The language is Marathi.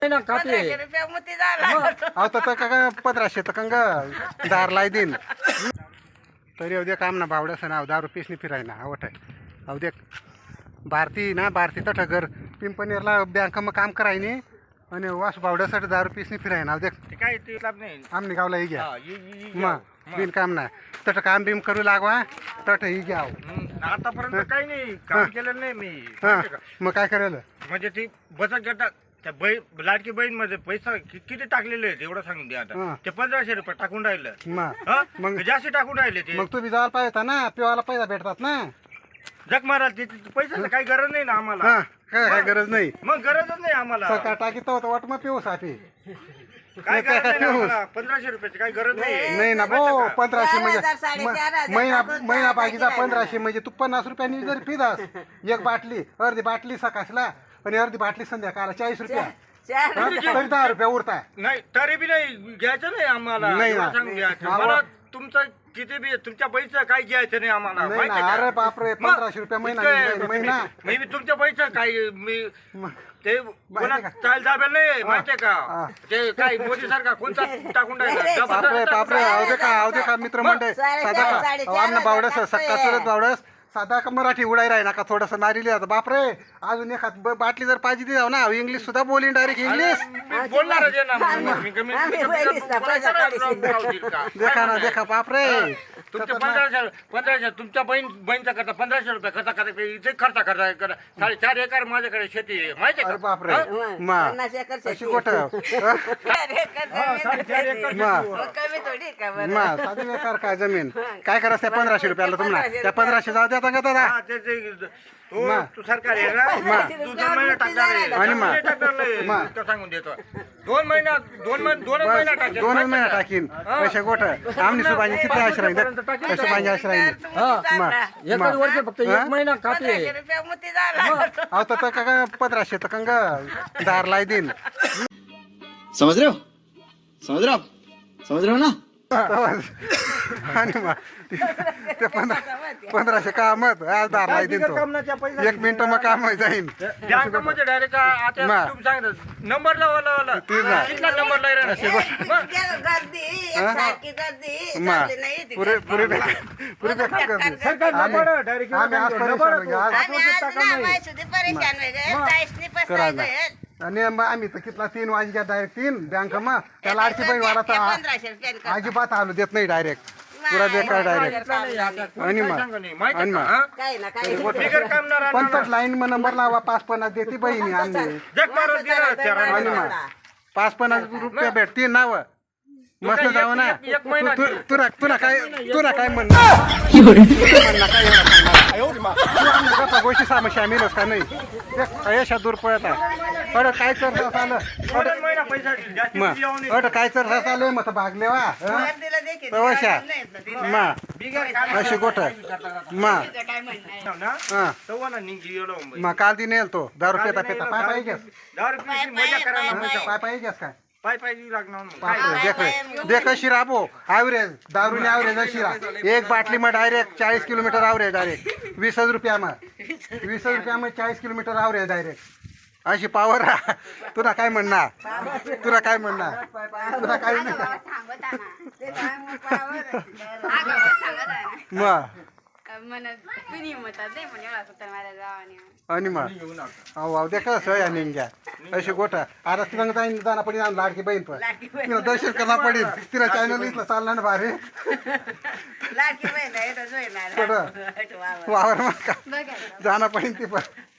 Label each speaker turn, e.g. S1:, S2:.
S1: ना खाते
S2: 1500 मोती झाला.
S3: अहो तर का 1500 तर कंग दार लाई देईन तरी अवदे काम ना बावड्यास ना 10 रुपये फिरायना आवट आहे अवदे भारती ना भारती तठ घर पिंपणेरला बँक मग काम करायनी आणि वास बावड्यासाठी 10 रुपये फिरायना अवदे
S1: काय ते लाभ नाही
S3: आमने गावला ही घ्या
S1: हा,
S3: मग बिन काम ना तठ काम बिम करू लागवा तठ ही घ्या
S1: आतापर्यंत काही नाही काम केलं नाही मी
S3: हां मग काय करायला
S1: म्हणजे ती बचत गटात त्या लाडकी बहीण मध्ये पैसा किती टाकलेले आहेत एवढं सांगून द्या
S3: हां.
S1: आता ते 1500 रुपये टाकून राहिलं
S3: मग
S1: हा?
S3: मग
S1: जास्त टाकून राहिले ते
S3: मग तुम्ही जायला पाहिजे होता ना पिवायला पैसा भेटतात ना
S1: जग महाराज पैशाचं काही गरज नाही ना आम्हाला
S3: हां काय गरज नाही
S1: मग गरजच नाही आम्हाला
S3: सकाळ टाकीत होतं वाट मग पिऊ साठी
S1: काय
S3: काय
S1: गरज नाही
S3: पिऊस?
S1: आम्हाला. 1500 रुपयाची काही गरज नाही
S3: नाही ना भाऊ 1500 म्हणजे
S2: 4,000, 4,500
S3: महिना
S2: टाकून
S3: महिना
S2: टाकायची
S3: बाकीचा
S2: राहिलं.
S3: 1500 म्हणजे तू 50 रुपयांनी जरी पिदास एक बाटली अर्धी बाटली सकाळला आणि अर्धी बाटली संध्याकाळला 40 रुपया
S2: चार
S3: हा? तरी 10 रुपया उरताय
S1: नाही तरी बी नाही घ्यायचं नाही आम्हाला
S3: नाही
S1: एवढं
S3: ना.
S1: सांगून द्यायचं.
S3: आवा-
S1: मला तुमचं किती बी तुमच्या पैसे काही घ्यायचं नाही आम्हाला
S3: नाही
S1: माहिती
S3: ना
S1: आहे का?
S3: अरे बापरे
S1: मग
S3: 1500 रुपया महिना
S1: इतकं-
S3: महिना
S1: मी तुमच्या पैसे काही मी
S3: मग
S1: ते कोणा
S3: का?
S1: चाल दाबेल नाही माहितीये
S3: हा.
S1: का ते काय मोदी सारखा कोणता टाकून राहिला
S3: बापरे बापरे अवदे का मित्र मंडळ साधा का आमना बावडस सक्का चरत बावडस साधा का मराठी उडाय राही ना का थोडंसं मारिली आता बापरे अजून एखाद बाटली जर पाहिजे ती जाऊ ना इंग्लिश सुद्धा बोलीन डायरेक्ट इंग्लिश
S1: मी बोलणारच आहे ना मग. मी कमी-
S2: आम्ही
S1: मी कमी-
S2: पहिलीच ना,
S1: बोलायचं
S2: पैसा
S1: राव- राव- राव- का?
S3: देखा ना देखा बापरे
S1: तुमच्या 1500 तुमच्या बहीणचा करता 1500 रुपये खर्चा इथे खर्चा 4.5 एकर माझ्याकडे शेती आहे माहिती
S3: अरे
S1: आहे का?
S3: बापरे
S2: मग
S3: मा
S2: 50 एकर
S3: अशी
S2: शेती.
S3: गोट
S2: 4 एकर जमीन.
S3: मा
S2: मग कमी थोडी का बरं?
S3: मा साधी बेकार काय जमीन काय करायचं त्या 1500 रुपयाला तुम्हाला त्या 1500 जाऊ द्या का दादा
S1: हा, तू सरकार आहे ना तू 2 महिने टाकणार आहे.
S3: आणि मग?
S1: नाही टाकणार नाही.
S3: मग?
S1: इतकं सांगून देतो 2 महिना 2 महिना टाकेल.
S3: दोनच महिना टाकीन पैसे गोट आमनी सुबाजी किती आश्रय राहील सुबाजी आश्रय राहील
S1: एकच वर्ष फक्त
S3: हा?
S1: 1 महिना खाते
S2: 1500 रुपये मोती झाला.
S3: अहो तर का 1500 तर कंग दार लाई देईन
S4: समझ रहे हो समझ रहे हो आप समझ रहे हो ना
S3: आणि मग ते 1500 कामत आज दार लाई देईन तो
S1: कामनाच्या पैसा
S3: 1 मिनिट मग काम जाईन
S1: बँकेमध्ये डायरेक्ट आता
S3: मग?
S1: तुम्ही सांगितलं नंबर लावा
S3: तेच ना.
S1: कितला नंबर लावला
S2: गर्दी एकसारखी गर्दी
S3: मा
S2: चालली नाही ती
S3: पुरे
S2: गर्दी.
S3: पुरे पुरे बेकार करते
S1: सरकार
S3: आम्ही
S1: नंबर डायरेक्ट
S3: आम्ही आज परेशान हो गए, आज
S2: आम्ही आज ना माहिती परेशान होय गए. चाळीसनी पस्ताय गए.
S3: आणि मग आम्ही तर कितला 3 वाजे घ्या डायरेक्ट 3 बँक मग त्या लाडकी बहीण वाला तर
S2: 1500 रुपये कर.
S3: अजिबात आलो देत नाही डायरेक्ट पुरा बेकार डायरेक्ट आणि मग आणि मग
S2: काय ना काय
S1: बिगर कामणार
S3: पण तर लाईन मग नंबर लावा 5-50 देते बहिणी आम्ही
S1: जग मारून दिलं
S3: आणि मग 5-50 रुपये भेटतील नाव मस्त जाऊ ना
S1: एक महिना
S3: तुला काय म्हणणं म्हणणं काय एवढं सांगणार? तू आम्ही गप्पा गोष्टी समस्या मिळस का नाही यशा दूर पळत आहे अरे काय चर्चा आलं
S1: 2 महिना पैसा जास्तीत
S3: मग
S1: येऊ नये.
S3: अरे काय चर्चा चालू आहे मग भागले वा
S2: गर्दीला देखील
S3: तवशा मा
S1: बिगर काम
S3: अशी गोट मा
S2: काय म्हणणं
S1: ना
S3: हा
S1: सव्वाना निघी एवढं मुंबई.
S3: मग काल ती नेल तो 10 रुपये पेता पाय पाहिजे
S1: 10 रुपयाची मजा करायला
S3: पाय पाहिजे काय
S1: पाय लागणार मग.
S3: बापरे देख अशी राबो ॲव्हरेज दारूने ॲव्हरेज अशी रा एक बाटली मग डायरेक्ट 40 किलोमीटर ॲव्हरेज डायरेक्ट 20 रुपया मग 20 रुपया मग 40 किलोमीटर ॲव्हरेज डायरेक्ट अशी पावर तुला काय म्हणणार तुला काय म्हणणार तुला काय नाही मग आणि मग अहो अहो देखा सोया निघ्या अशी गोठा आता तिला जाईन जाणं पडेल आम्ही लाडकी बहीण पण तिला दर्शन करणं पडेल तिला चॅनल इथलं चाललं ना भारी
S2: लाडकी बहीण आहे, इथं जोडणार.
S3: वावर मग का जाणं पडेल ती पण